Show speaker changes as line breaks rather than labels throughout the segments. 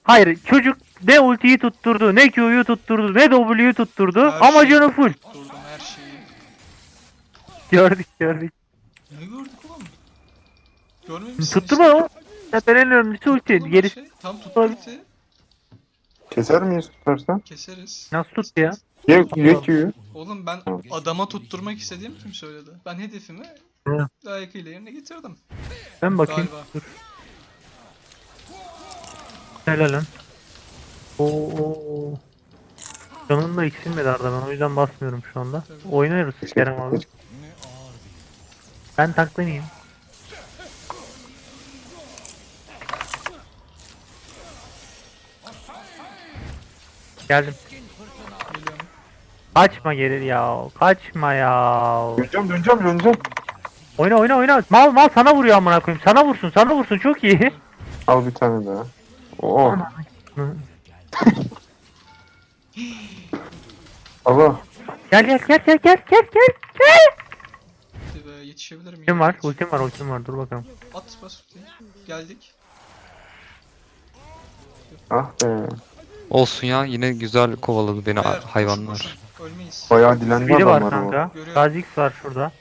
Hayır çocuk ne ultiyi tutturdu, ne Q'yu tutturdu, ne W'yu tutturdu.
Her
Ama
şeyi
canı full.
tutturdum, her şeyi.
Gördük gördük.
Ne gördük oğlum? Görmemişsin
Tuttu
işte.
mu o? Zaten en önemlisi
Tuttu
ulti.
oğlum her
Gerisi
şey. Tam tuttu ulti.
Keser miyiz tutarsan?
Keseriz.
nasıl tuttu ya?
Ye Q'yu.
Oğlum ben adama tutturmak istediğim kim söyledi? Ben hedefimi
Hı.
layıkıyla yerine getirdim.
Ben bakayım.
Galiba.
Dur. Helal lan. Oo. Canın da eksilmedi Arda, ben o yüzden basmıyorum şu anda.
Tabii.
Oynarız Kerem abi. Ben tanklanayım. Geldim.
Geliyorum.
Kaçma geri ya. Kaçma ya.
Döneceğim.
Oyna oyna oyna. Mal mal sana vuruyor amına koyayım. Sana vursun çok iyi.
Al bir tane daha. Oo. Allah.
Gel.
Hadi be, yetişebilir miyim?
Ultim var. Dur bakalım.
At bas ultiyi. Geldik.
Ah be.
Olsun ya, yine güzel kovaladı beni
Beyler,
hayvanlar.
koşun. Ölmeyiz.
Bayağı dilenme
Biri var
adamlar bu.
kanka.
Görüyorum.
Kha'Zix var şurada.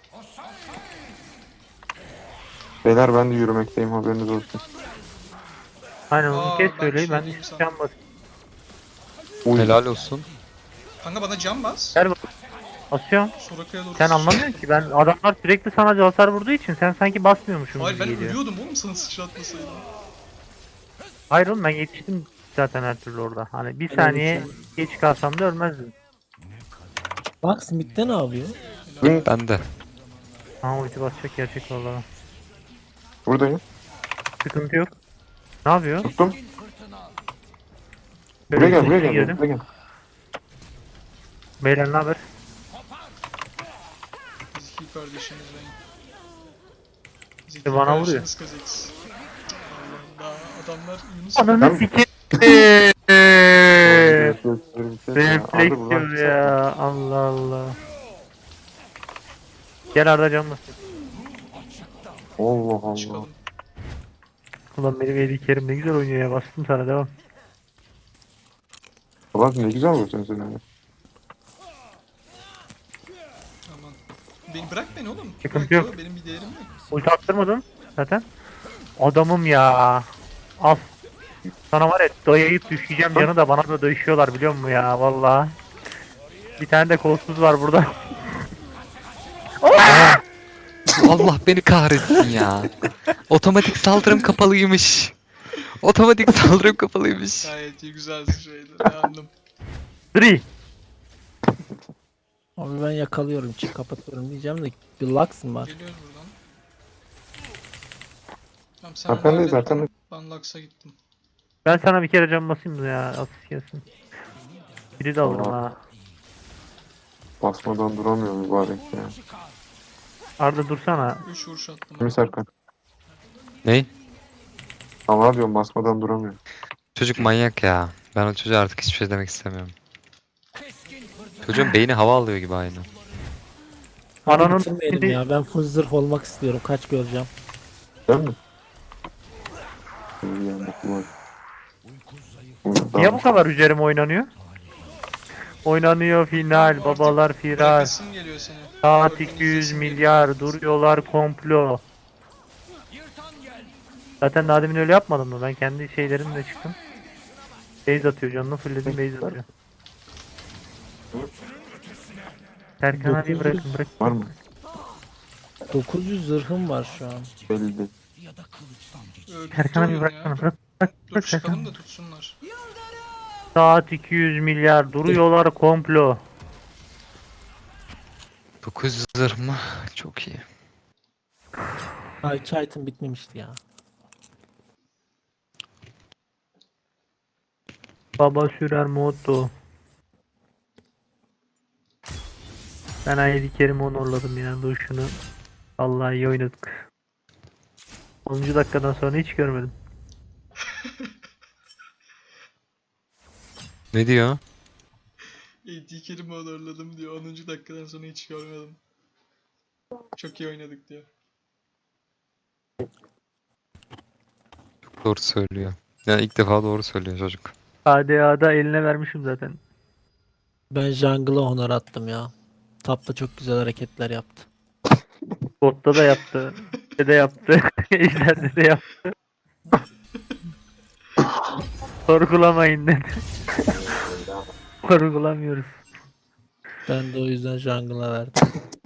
Beyler ben de yürümekteyim, haberiniz olsun.
Aynen
Aa,
onu kes
ben
söyleyin. Ben
söyleyeyim sana.
can basayım.
Uy.
Helal olsun.
Kanka bana can bas.
Gel bak. Basıyorum.
Soraka'ya doğru.
Sen anlamıyorsun ki, ben adamlar sürekli sana hasar vurduğu için sen sanki basmıyormuşsun
Hayır
gibi
ben
geliyor.
ölüyordum oğlum sana sıçratmasaydım.
Hayır oğlum, ben yetiştim zaten her türlü orada. Hani bir
Ben
saniye
ölmüşüm.
geç kalsam da ölmezdim.
Bak Smith'te ne yapıyor?
Ben de.
Ha ulti basacak gerçek vallahi.
Buradayım.
Sıkıntı yok. Ne yapıyor?
Tuttum.
Böyle
Buraya
üstüne
gel.
girdim. Beyler ne haber?
Biz iki kardeşimiz ben. Biz iki
Bana vuruyor.
kardeşimiz Kazix. Allah'ım daha adamlar Yunus.
Ananı sikeyim. Refleks diyor ya. Allah Allah. Gel Arda can basın.
Allah Allah.
Çıkalım.
Ulan benim Eddie Kerim ne güzel oynuyor ya. Bastım sana, devam.
Bak ne güzel vursun sen ya.
Aman. Beni bırak beni oğlum.
Sıkıntı
Bırak
yok.
ya, benim bir değerim yok.
Ulti attırmadın zaten. Adamım ya. Al. Sana var ya, dayayıp düşeceğim canı da bana da dövüşüyorlar biliyor musun ya, vallahi. Bir tane de kolsuz var burada.
Allah beni kahretsin ya. Otomatik saldırım kapalıymış. Otomatik saldırım kapalıymış.
Gayet iyi, güzel şeydi. Beğendim.
3.
Abi ben yakalıyorum, çık kapatıyorum diyeceğim de bir Lux mı var?
Geliyoruz buradan. Tamam sen
Arkandeyiz,
hallet.
arkandeyiz.
Ben Lux'a gittim.
Ben sana bir kere can basayım da ya, asist gelsin. Biri de alırım
Tamam.
ha.
Basmadan duramıyor mübarek ya.
Arda dursana.
3 vuruş attım.
Kimi Serkan?
Ney?
Allah diyorum, basmadan duramıyor.
Çocuk manyak ya. Ben o çocuğa artık hiçbir şey demek istemiyorum. Çocuğun beyni hava alıyor gibi aynı.
Hadi
Ananın
bitirmeyelim
seni-
ya, ben full zırh olmak istiyorum, kaç göreceğim.
Değil mi? İyi yani, bu var.
Niye bu kadar üzerime oynanıyor? Oynanıyor final, babalar firar.
Bırakasın geliyor seni.
Saat
Örgün
200
izlesin
milyar duruyorlar komplo. Zaten daha demin öyle yapmadım mı? Ben kendi şeylerimle çıktım. Base atıyor, canını fullledim, base atıyor. Serkan abi
900
bırakın.
Var mı?
900 zırhım var şu an.
Belli değil.
Serkan abi
oyun
bıraksana,
ya.
bırak.
Dur
Bırak
çıkalım
Serkan.
da tutsunlar.
Saat 200 milyar duruyorlar komplo.
900 zırh mı? Çok iyi.
Ha 2 item bitmemişti ya.
Baba sürer moto. Ben Aydi Kerim'i onurladım ya, duşunu. Vallahi iyi oynadık. 10. dakikadan sonra hiç görmedim.
Ne diyor?
AD Kerim'i olurladım diyor. 10. dakikadan sonra hiç görmedim. Çok iyi oynadık diyor.
Doğru söylüyor. Yani ilk defa doğru söylüyor çocuk.
ADA'da eline vermişim zaten.
Ben jungle'a honor attım ya. Tapta çok güzel hareketler yaptı.
Botta da yaptı. De yaptı. Ejder'de de yaptı. Sorgulamayın dedi. Sorgulamıyoruz.
Ben de o yüzden jungle'a verdim.